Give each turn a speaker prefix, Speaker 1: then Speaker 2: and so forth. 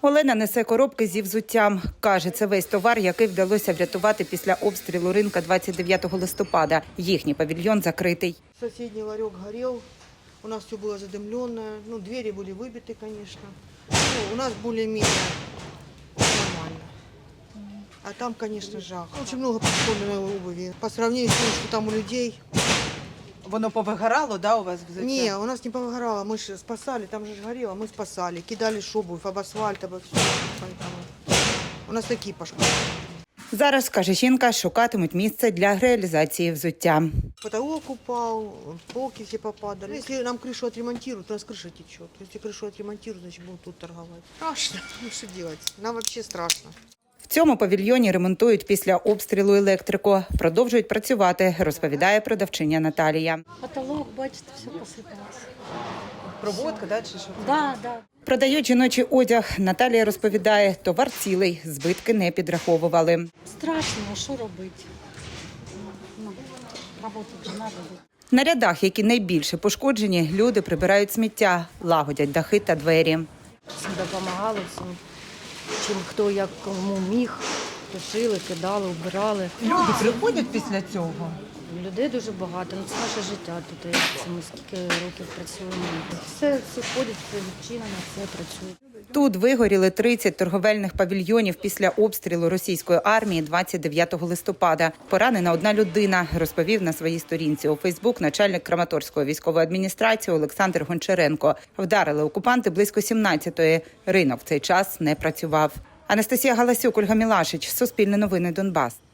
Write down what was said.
Speaker 1: Олена несе коробки зі взуттям. Каже, це весь товар, який вдалося врятувати після обстрілу ринка 29 листопада. Їхній павільйон закритий.
Speaker 2: Соседний ларек горел, у нас все было задымленное, двери были выбиты, конечно. У нас более-менее нормально. А там, конечно, жах. Очень много подпольной обуви. По сравнению с тем, что там у людей.
Speaker 1: Воно повигорало, да, у вас взуття?
Speaker 2: Не, у нас не повыгорало, мы же спасали, там же горело, мы спасали. Кидали ж обувь об асфальт, обо все. Поэтому у нас такие пошкоды.
Speaker 1: Зараз, каже жінка, шукатимуть місце для реалізації взуття.
Speaker 2: Потолок упал, полки все попадали. Если нам крышу отремонтируют, у нас крыша течет. Если крышу отремонтируют, значит будем тут торговать. Страшно, что делать? Нам вообще страшно.
Speaker 1: В цьому павільйоні ремонтують після обстрілу електрику. Продовжують працювати, розповідає продавчиня Наталія.
Speaker 3: Потолок, бачите, все посипалося.
Speaker 1: Проводка, да, чи що?
Speaker 3: Да, да.
Speaker 1: Продають жіночий одяг. Наталія розповідає, товар цілий, збитки не підраховували.
Speaker 3: Страшно, а що робити? Роботи вже треба буде.
Speaker 1: На рядах, які найбільше пошкоджені, люди прибирають сміття, лагодять дахи та двері.
Speaker 4: Всім допомагали, всім, чим хто як кому міг, тушили, кидали, вбирали.
Speaker 1: Люди приходять після цього?
Speaker 4: Людей дуже багато, це наше життя тут. Це ми скільки років працюємо. Все ходять, все відчинено, все працює.
Speaker 1: Тут вигоріли 30 торговельних павільйонів після обстрілу російської армії 29 листопада. Поранена одна людина, розповів на своїй сторінці у Фейсбук начальник Краматорської військової адміністрації Олександр Гончаренко. Вдарили окупанти близько 17-ї. Ринок в цей час не працював. Анастасія Галасюк, Ольга Мілашич, Суспільне новини, Донбас.